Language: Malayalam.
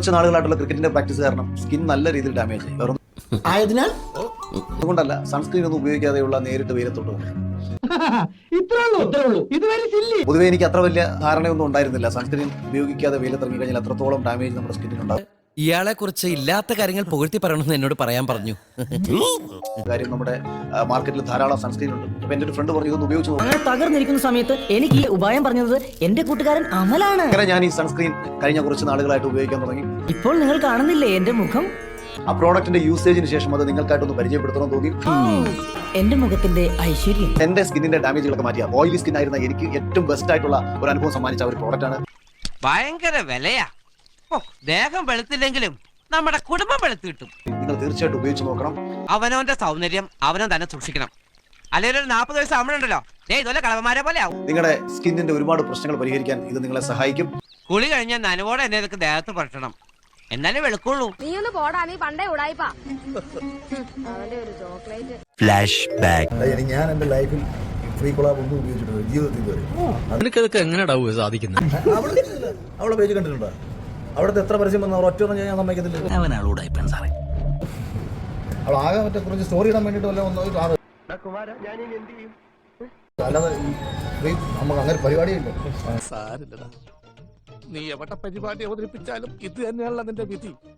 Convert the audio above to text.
കുറച്ച് നാളുകളായിട്ടുള്ള ക്രിക്കറ്റിന്റെ പ്രാക്ടീസ് കാരണം സ്കിൻ നല്ല രീതിയിൽ ഡാമേജ് ആയി. വേറെ ആയതിനാൽ അതുകൊണ്ടല്ല, സൺസ്ക്രീൻ ഒന്നും ഉപയോഗിക്കാതെയുള്ള നേരിട്ട് വെയിലത്തോട്ട് പൊതുവെ എനിക്ക് അത്ര വലിയ ധാരണയൊന്നും ഉണ്ടായിരുന്നില്ല. സൺസ്ക്രീൻ ഉപയോഗിക്കാതെ വെയിലത്തിറങ്ങി കഴിഞ്ഞാൽ അത്രത്തോളം ഡാമേജ് നമ്മുടെ സ്കിന്നിനുണ്ടാകും. ഇയാളെ കുറിച്ച് ഇല്ലാത്ത കാര്യങ്ങൾ പുകഴ്ത്തി പറയണമെന്ന് എന്നോട് പറയാൻ പറഞ്ഞു. കാര്യം നമ്മുടെ മാർക്കറ്റിൽ ധാരാളം സൺസ്ക്രീൻ ഉണ്ട്. അപ്പൊ എന്റെ ഒരു ഫ്രണ്ട് പറഞ്ഞു ഇതൊന്ന് ഉപയോഗിച്ച് നോക്കാം. അങ്ങനെ തകർന്നിരിക്കുന്ന സമയത്ത് എനിക്ക് ഈ ഉപായം പറഞ്ഞത് എന്റെ കൂട്ടുകാരൻ അമലാണ്. അങ്ങനെ ഞാൻ ഈ സൺസ്ക്രീൻ കഴിഞ്ഞ കുറച്ച് നാളുകളായിട്ട് ഉപയോഗിക്കാൻ തുടങ്ങി. ഇപ്പോൾ നിങ്ങൾ കാണുന്നില്ലേ എന്റെ മുഖം? ആ പ്രോഡക്റ്റിന്റെ യൂസേജിന് ശേഷം അത് നിങ്ങൾക്കായിട്ടൊന്ന് പരിചയപ്പെടുത്തണം തോന്നി. എന്റെ മുഖത്തിന്റെ ഐശ്വര്യം, എന്റെ സ്കിന്നിന്റെ ഡാമേജുകളൊക്കെ മാറ്റിയ ഓയിലി സ്കിൻ ആയിരുന്ന എനിക്ക് ഏറ്റവും ബെസ്റ്റ് ആയിട്ടുള്ള ഒരു അനുഭവം സമ്മാനിച്ച ഒരു പ്രോഡക്റ്റ് ആണ്. ഭയങ്കര വിലയാ. ദേഹം വെളുത്തില്ലെങ്കിലും നമ്മുടെ കുടുംബം വെളുത്ത് കിട്ടും. നിങ്ങൾ തീർച്ചയായിട്ടും ഉപയോഗിച്ച് നോക്കണം. അവനവന്റെ സൗന്ദര്യം അവനവൻ തന്നെ സൂക്ഷിക്കണം. അല്ലെങ്കിൽ ഒരു 40 വയസ്സ് അമ്മയുണ്ടല്ലോ, ഇതുപോലെ കളവന്മാരെ പോലെ ആവും. നിങ്ങളുടെ സ്കിന്നിന്റെ ഒരുപാട് പ്രശ്നങ്ങൾ പരിഹരിക്കാൻ ഇത് നിങ്ങളെ സഹായിക്കും. കുളി കഴിഞ്ഞാൽ നനവോടെ എന്നെ ഇതൊക്കെ ദേഹത്ത് പുരട്ടണം, എന്നാലേ വെളുക്കുള്ളൂ. നീ ഒന്ന് പോടാ, നീ പണ്ടേ ഉടായിപ്പാ. അവന്റെ ഒരു ചോക്ലേറ്റ്. Flash back. ഞാൻ എന്റെ ലൈഫിൽ ഫ്രീ കൊളാബ് ഒന്നും ഉപയോഗിച്ചിട്ടുണ്ട് ജീവിതത്തിൽ ഇതുവരെ. നിനക്കതൊക്കെ എങ്ങനെയാ സാധിക്കുന്നത്? അവളെ പേജ് കണ്ടിട്ടുണ്ടോ? അവിടുത്തെ എത്ര പരസ്യം വന്ന ഒറ്റ ഞാൻ സമ്മതിക്കത്തില്ല. അവൾ ആകെ മറ്റേ കുറച്ച് സ്റ്റോറി ഇടാൻ വേണ്ടിട്ട് വല്ല അല്ലാതെ നമുക്ക് അങ്ങനെ പരിപാടിയില്ല. നീ എവിടെ പരിപാടി അവതരിപ്പിച്ചാലും ഇത് തന്നെയാണല്ലോ നിന്റെ വിധി.